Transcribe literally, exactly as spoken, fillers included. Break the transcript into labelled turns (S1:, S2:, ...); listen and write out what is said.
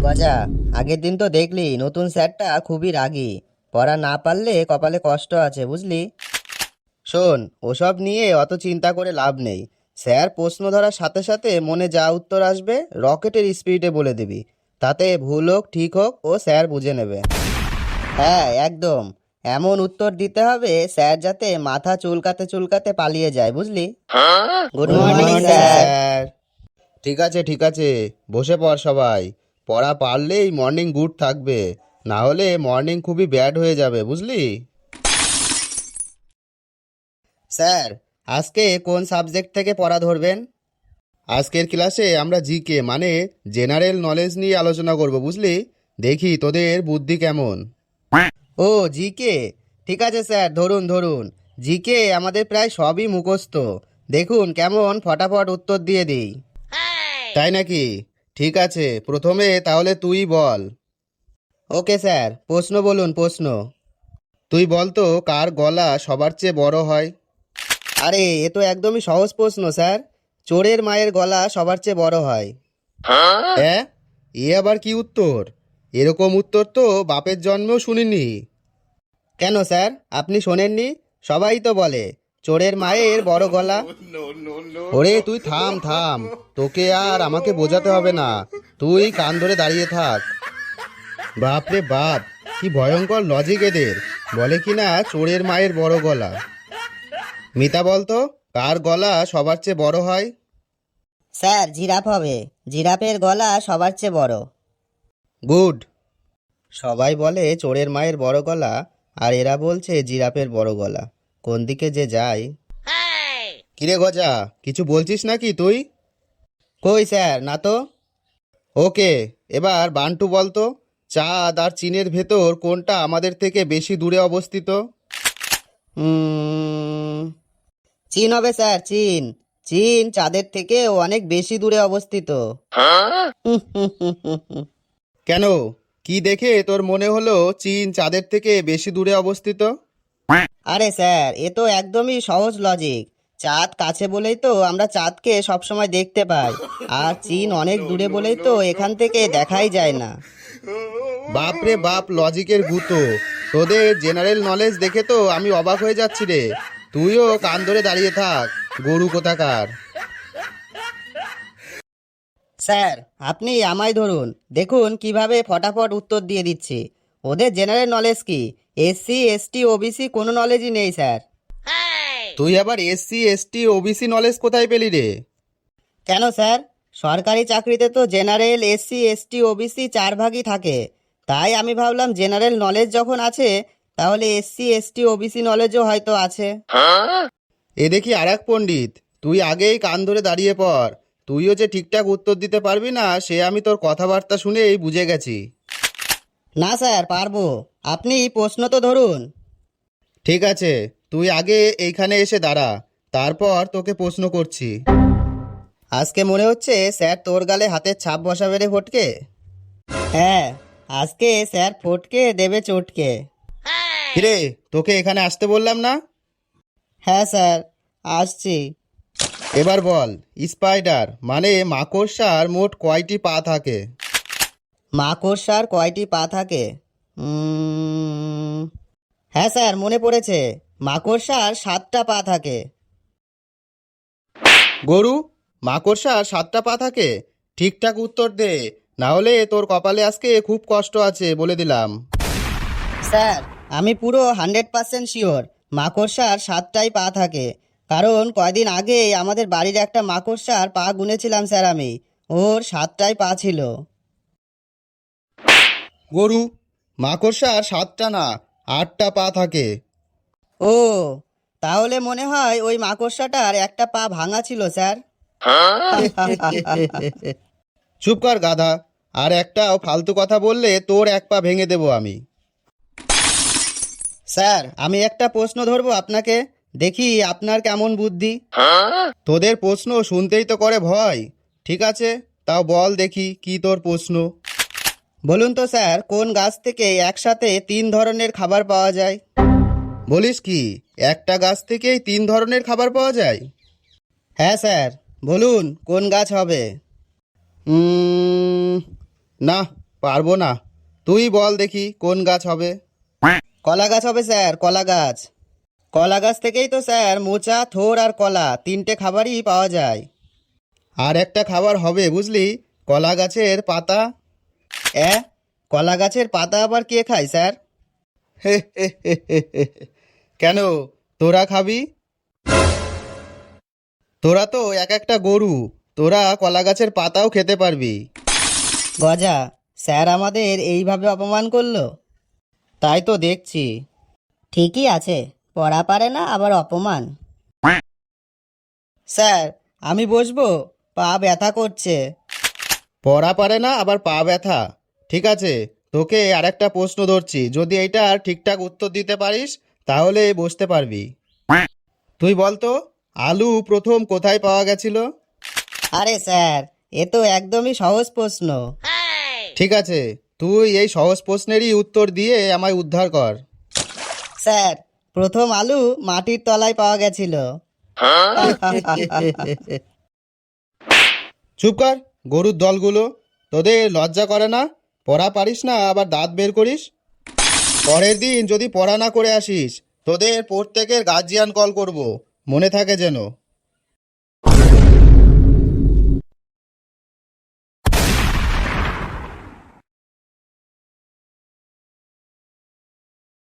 S1: গজা, আগের দিন তো দেখলি নতুন স্যারটা খুবই রাগী। পড়া না পারলে কপালে কষ্ট আছে, বুঝলি? শোন, ওসব নিয়ে অত চিন্তা করে লাভ নেই। স্যার প্রশ্ন ধরার সাথে সাথে মনে যা উত্তর আসবে রকেটের স্পিডে বলে দিবি। তাতে ভুল হোক ঠিক হোক ও স্যার বুঝে নেবে। হ্যাঁ, একদম এমন উত্তর দিতে হবে স্যার যাতে মাথা চুলকাতে চুলকাতে পালিয়ে যায়, বুঝলি? Good morning sir.
S2: ঠিক আছে ঠিক আছে, বসে পড় সবাই। পড়া পারলেই মর্নিং গুড থাকবে, না হলে মর্নিং খুবই ব্যাড হয়ে যাবে, বুঝলি?
S1: স্যার, আজকে কোন সাবজেক্ট থেকে পড়া ধরবেন?
S2: আজকের ক্লাসে আমরা জিকে মানে জেনারেল নলেজ নিয়ে আলোচনা করব, বুঝলি? দেখি তোদের বুদ্ধি কেমন।
S1: ও, জিকে। ঠিক আছে স্যার, ধরুন ধরুন। জিকে আমাদের প্রায় সবই মুখস্থ। দেখুন কেমন ফটাফট উত্তর দিয়ে দিই।
S2: তাই নাকি? ঠিক আছে, প্রথমে তাহলে তুই বল।
S1: ওকে স্যার, প্রশ্ন বলুন প্রশ্ন।
S2: তুই বল তো, কার গলা সবার চেয়ে বড় হয়?
S1: আরে, এ তো একদমই সহজ প্রশ্ন স্যার। চোরের মায়ের গলা সবার চেয়ে বড় হয়।
S2: হ্যাঁ, এ আবার কি উত্তর? এরকম উত্তর তো বাপের জন্মেও শুনিনি।
S1: কেন স্যার, আপনি শোনেননি? সবাই তো বলে চোরের মায়ের বড় গলা।
S2: ওরে তুই থাম থাম, তোকে আর আমাকে বোঝাতে হবে না, তুই কান ধরে দাঁড়িয়ে থাক। বাপরে বাপ, কি ভয়ঙ্কর লজিক এদের! বলে কিনা চোরের মায়ের বড় গলা। মিতা বলতো, কার গলা সবার চেয়ে বড় হয়?
S1: স্যার, জিরাফ হবে। জিরাফের গলা সবার চেয়ে বড়।
S2: গুড।
S1: সবাই বলে চোরের মায়ের বড় গলা, আর এরা বলছে জিরাফের বড় গলা। কোন দিকে যে যায়।
S2: কিরে গজা, কিছু বলছিস নাকি তুই?
S1: কই স্যার, না তো।
S2: ওকে, এবার বান্টু বলতো, চাঁদ আর চীনের ভেতর কোনটা আমাদের থেকে বেশি দূরে অবস্থিত?
S1: উম, চীন হবে স্যার, চীন। চীন চাঁদের থেকে অনেক বেশি দূরে অবস্থিত।
S2: কেন, কি দেখে তোর মনে হলো চীন চাঁদের থেকে বেশি দূরে অবস্থিত?
S1: আরে স্যার, এ তো একদমই সহজ লজিক। চাঁদ কাছে বলেই তো আমরা চাঁদকে সবসময় দেখতে পাই, আর চীন অনেক দূরে বলেই তো এখান থেকে দেখাই যায় না।
S2: বাপরে বাপ, লজিকের গুতো! তোদের জেনারেল নলেজ দেখে তো আমি অবাক হয়ে যাচ্ছি রে। তুইও কান ধরে দাঁড়িয়ে থাক, গরু কোথাকার!
S1: স্যার, আপনি আমায় ধরুন, দেখুন কিভাবে ফটাফট উত্তর দিয়ে দিচ্ছি। ওদের জেনারেল নলেজ কি? এসসি এসটি ওবিসি কোনো নলেজই নেই স্যার।
S2: তুই আবার এসসি এসটি ওবিসি নলেজ কোথায় পেলি রে?
S1: কেন স্যার, সরকারি চাকরিতে তো জেনারেল এসসি এসটি ওবিসি চার ভাগই থাকে। তাই আমি ভাবলাম জেনারেল নলেজ যখন আছে, তাহলে এসসি এসটি ওবিসি নলেজও হয়তো আছে।
S2: এ দেখি আর এক পণ্ডিত, তুই আগেই কান ধরে দাঁড়িয়ে পড়। তুইও যে ঠিকঠাক উত্তর দিতে পারবি না সে আমি তোর কথাবার্তা শুনেই বুঝে গেছি।
S1: না স্যার, পারবো। আপনি প্রশ্ন তো ধরুন।
S2: ঠিক আছে, তুই আগে এইখানে এসে দাঁড়া, তারপর তোকে প্রশ্ন করছি।
S1: আজকে মনে হচ্ছে স্যার তোর গালে হাতের ছাপ বসাবে রে ফটকে। হ্যাঁ, আজকে স্যার ফটকে দেবে চটকে।
S2: কিরে, তোকে এখানে আসতে বললাম না?
S1: হ্যাঁ স্যার, আসছি।
S2: এবার বল, স্পাইডার মানে মাকড়সার মোট কয়টি পা থাকে?
S1: মাকড়সার কয়টি পা থাকে? উম, হ্যাঁ স্যার, মনে পড়েছে। মাকড়সার সাতটা পা থাকে।
S2: গরু, মাকড়সার সাতটা পা থাকে? ঠিকঠাক উত্তর দে, না হলে তোর কপালে আজকে খুব কষ্ট আছে বলে দিলাম।
S1: স্যার, আমি পুরো হান্ড্রেড পার্সেন্ট শিওর মাকড়সার সাতটাই পা থাকে। কারণ কয়দিন আগে আমাদের বাড়ির একটা মাকড়সার পা গুনেছিলাম স্যার আমি। ওর সাতটাই পা ছিল।
S2: গরু, মাকড়সার সাতটা না, আটটা পা থাকে।
S1: ও, তাহলে মনে হয় ওই মাকড়সাটার একটা পা ভাঙা ছিল স্যার।
S2: চুপ কর গাধা, আর একটাও ফালতু কথা বললে তোর এক পা ভেঙে দেবো আমি।
S1: স্যার, আমি একটা প্রশ্ন ধরবো আপনাকে, দেখি আপনার কেমন বুদ্ধি।
S2: তোদের প্রশ্ন শুনতেই তো করে ভয়। ঠিক আছে, তাও বল দেখি কি তোর প্রশ্ন।
S1: বলুন তো স্যার, কোন গাছ থেকে একসাথে তিন ধরনের খাবার পাওয়া যায়?
S2: বলিস কি, একটা গাছ থেকেই তিন ধরনের খাবার পাওয়া যায়?
S1: হ্যাঁ স্যার, বলুন কোন গাছ হবে?
S2: উম, না, পারবো না। তুই বল দেখি কোন গাছ হবে।
S1: কলা গাছ হবে স্যার, কলা গাছ। কলা গাছ থেকেই তো স্যার মোচা, থোড় আর কলা তিনটে খাবারই পাওয়া যায়।
S2: আর একটা খাবার হবে বুঝলি, কলা গাছের পাতা।
S1: অ্যাঁ, কলা গাছের পাতা আবার কে খায় স্যার?
S2: হে হে হে হে হে। কেন, তোরা খাবি? তোরা তো এক একটা গরু, তোরা কলা গাছের পাতাও খেতে পারবি।
S1: গজা, স্যার আমাদের এইভাবে অপমান করলো? তাই তো দেখছি। ঠিকই আছে, পড়া পারে না আবার অপমান। স্যার, আমি বসবো, পা ব্যথা করছে।
S2: পড়া পারে না আবার পা ব্যথা? ঠিক আছে, তোকে আর একটা প্রশ্ন ধরছি, যদি এইটার ঠিকঠাক উত্তর দিতে পারিস তাহলে বসতে পারবি। তুই বলতো, আলু প্রথম কোথায় পাওয়া গেছিল?
S1: আরে স্যার, এ তো একদমই সহজ প্রশ্ন।
S2: ঠিক আছে, তুই এই সহজ প্রশ্নেরই উত্তর দিয়ে আমায় উদ্ধার কর।
S1: স্যার, প্রথম আলু মাটির তলায় পাওয়া গেছিল।
S2: চুপ কর, গরুর দলগুলো, তোদের লজ্জা করে না? পড়া পারিস না আবার দাঁত বের করিস। পরের দিন যদি পড়া না করে আসিস, তোদের প্রত্যেকের গার্জিয়ান কল করব, মনে থাকে যেন।